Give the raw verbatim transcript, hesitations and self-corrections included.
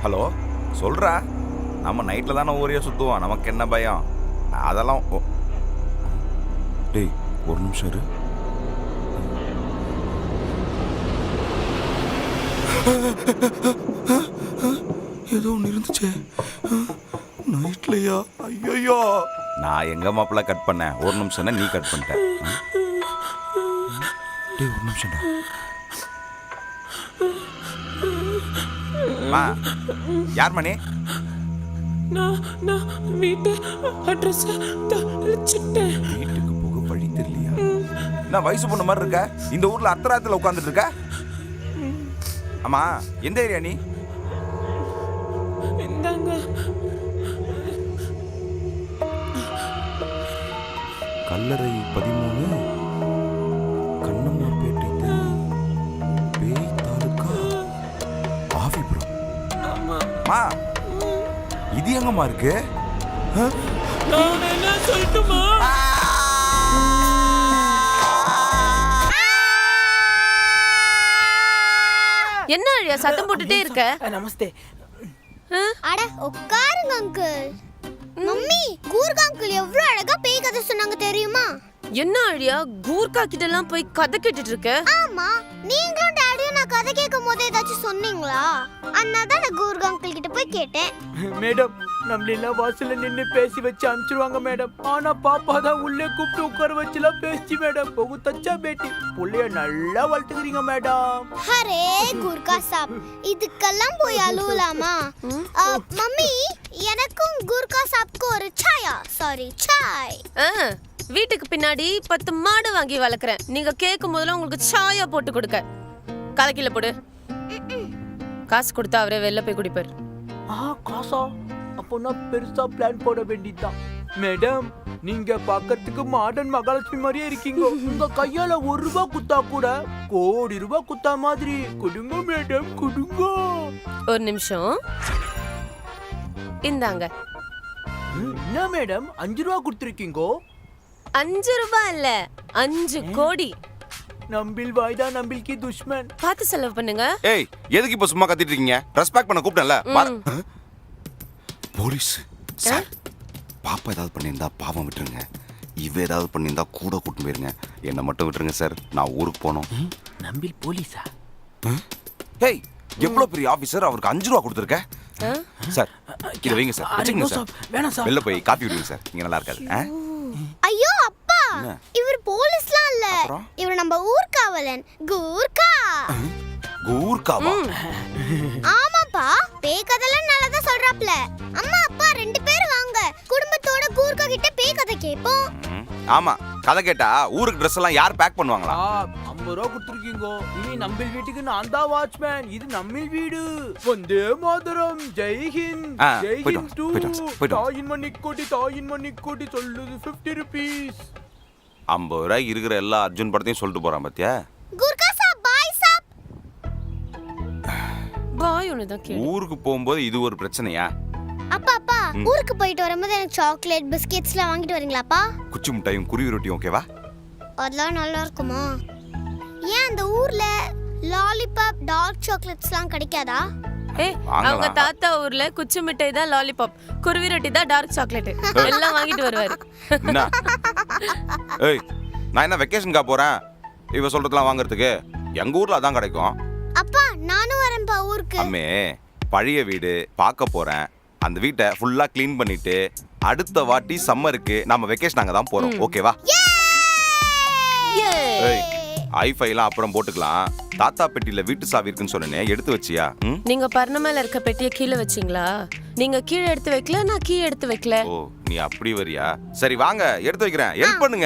Hello சொல்றா, நம்ம நைட்ல தானே ஊரே சுத்துவோம், நமக்கு என்ன பயம் அதெல்லாம். டேய் ஒரு நிமிஷம் இரு. ஏதோ ஒன்று இருந்துச்சே நைட்லையா? ஐயோ, நான் எங்க மாப்பிள்ள கட் பண்ணேன், ஒரு நிமிஷம் நீ கட் பண்ணிட்ட. டேய் ஒரு நிமிஷம்டா. மா யார் மணி? நான் நான் வீட்டு அட்ரஸ் தொலைச்சிட்டேன். வீட்டுக்கு போக வழி தெரியலையா? நான் வயசு பொண்ணு மாதிரி இருக்க, இந்த ஊர்ல அர்த்தராத்துல உட்காந்துட்டு இருக்க. ஆமா எந்த ஏரியா நீ? இந்தாங்க. கல்லறை பதிமூணு, கண்ணம்மாப்பேட்டை தெரு, பேய் தாலுக்கா, ஆவிபுரம். மா இது எங்கம்மா இருக்கு? நான் என்ன சொல்லட்டுமா? என்ன அழியா சத்தம் போட்டுட்டே இருக்க? நமஸ்தே. அட உட்காருங்க அங்கிள். மம்மி, கூர்கா அங்கிள் எவ்வளவு அழகா பேய் கதை சொன்னாங்க தெரியுமா? என்ன அழியா கூர்க்கா கிட்ட எல்லாம் போய் கதை கேட்டுட்டு இருக்க? ஆமா, நீங்களும் டாடியும் நான் கதை கேட்கும் போது ஏதாச்சும் சொன்னீங்களா? அதனால தான் நான் கூர்கா அங்கிள் கிட்ட போய் கேட்டேன். மேடம், நம்மளெல்லாம் வாசல்ல நின்னு பேசி வச்சு அனுப்பிச்சிருவாங்க மேடம். ஆனா பாப்பா தான் உள்ளே கூப்பிட்டு உட்கார வச்சுலாம் பேசி மேடம். பகு தச்சா பேட்டி புள்ளைய நல்லா வளர்த்துக்கிறீங்க மேடம். அரே கூர்கா சாப், இதுக்கெல்லாம் போய் அழுவலாமா? மம்மி, எனக்கும் கூர்கா சாப்க்கு ஒரு சாயா, சாரி சாய். வீட்டுக்கு பின்னாடி பத்து மாடு வாங்கி வளர்க்குறேன். நீங்க கேட்கும் போதெல்லாம் உங்களுக்கு சாயா போட்டு கொடுக்க. கலக்கில போடு. காசு கொடுத்தா அவரே வெளில போய் குடிப்பார். ஆ காசா? அப்போ நான் பெருசா பிளான் போட வேண்டியதுதான். மேடம், நீங்க பார்க்கிறதுக்கு மாடர்ன் மகாலட்சுமி மாதிரியே இருக்கீங்க. உங்க கையால ஒரு ரூபாய் குத்தா கூட கோடி ரூபாய் குத்தா மாதிரி. கொடுங்க மேடம், கொடுங்க. ஒரு நிமிஷம் இந்தாங்க. என்ன மேடம் அஞ்சு ரூபா கொடுத்துருக்கீங்கோ? அஞ்சு ரூபாய் இல்ல, அஞ்சு கோடி. நம்பில் வாய்தா நம்பில்கி துஷ்மன். பார்த்து செலவு பண்ணுங்க. ஏய் எதுக்கு இப்ப சும்மா கத்திட்டு இருக்கீங்க? ரெஸ்பெக்ட் பண்ண கூப்பிட்டேன்ல. போலீஸ் சார், பாப்பா ஏதாவது பண்ணியிருந்தா பாவம் விட்டுருங்க. இவ ஏதாவது பண்ணியிருந்தா கூட கூட்டிட்டு போயிருங்க. என்னை மட்டும் விட்டுருங்க சார், நான் ஊருக்கு போனோம். நம்பில் போலீஸா? ஏய் எவ்வளவு பெரிய ஆபீசர், அவருக்கு அஞ்சு ரூபா கொடுத்துருக்க சார். இதை வைங்க சார், வச்சுக்கங்க சார். வேணாம் சார். வெளில போய் காஃபி விடுங்க சார், இங்க நல்லா இருக்காது. ஐயோ அப்பா, இவர் போலீஸ்லாம் இல்ல, இவர் நம்ம ஊர்காவலன் கூர்கா. கூர்காவா? ஆமாப்பா, பேய் கதைலாம் நல்லா தான் சொல்றாப்ல. அம்மா அப்பா ரெண்டு பேரும் வாங்க, குடும்பத்தோட கூர்கா கிட்ட பேய் கதை கேட்போம். ஆமா, கதை கேட்டா ஊருக்கு ட்ரெஸ் எல்லாம் யார் பேக் பண்ணுவாங்களா? ஐம்பது ரூபா கொடுத்துருக்கீங்க. இனி நம்பில் வீட்டுக்கு நான் தான் வாட்ச்மேன். இது நம்மில் வீடு. வந்தே மாதரம், ஜெய் ஹிந்த், ஜெய் ஹிந்த் டூ. தாயின் மணிக்கோடி, தாயின் மணிக்கோடி சொல்லுது ஃபிஃப்டி ருபீஸ். ஐம்பது ரூபாய் இருக்கிற எல்லா அர்ஜுன் படத்தையும் சொல்லிட்டு போறான் பாத்தியா? கூர்கா சாப், பாய் சாப். பாய் ஒண்ணுதான் கேளு. ஊருக்கு போகும்போது இது ஒரு பிரச்சனையா? அப்பா அப்பா, ஊருக்கு போயிட்டு வரும்போது எனக்கு சாக்லேட் பிஸ்கெட்ஸ்லாம் வாங்கிட்டு வரீங்களாப்பா? குச்சி மிட்டாயும் குருவி ரொட்டியும் ஓகேவா? அதெல்லாம் நல்லா இருக்குமா? ஏன் அந்த ஊர்ல லாலிபாப் டார்க் சாக்லேட்ஸ்லாம் கிடைக்காதா? ஏய், அவங்க தாத்தா ஊர்ல குச்சி மிட்டாய் தான் லாலிபாப், குருவி ரொட்டி தான் டார்க் சாக்லேட். எல்லாம் வாங்கிட்டு வருவாரு. என்ன? ஏய், நான் என்ன வெக்கேஷனுக்கா போறேன் இவ சொல்றதெல்லாம் வாங்குறதுக்கு? எங்க ஊர்ல அதான் கிடைக்கும். அப்பா நானும் வரேன்ப்பா ஊருக்கு. அம்மே, பழைய வீடு பார்க்க போறேன். அந்த வீட்டை ஃபுல்லா க்ளீன் பண்ணிட்டு அடுத்த வாட்டி சம்மருக்கு நாம வெக்கேஷன் அங்க தான் போறோம். ஓகேவா? ஏய், ஐஃபைலாம் அப்புறம் போட்டுக்கலாம். தாத்தா பெட்டியில வீட்டு சாவி இருக்குன்னு சொன்னேனே, எடுத்து வச்சியா? நீங்க பர்ண மேல இருக்க பெட்டியை கீழே வச்சீங்களா? நீங்க கீழே எடுத்து வைக்கல, நான் கீழே எடுத்து வைக்கல. ஓ, நீ அப்படி வரியா? சரி வாங்க எடுத்து வைக்கிறேன், ஹெல்ப் பண்ணுங்க.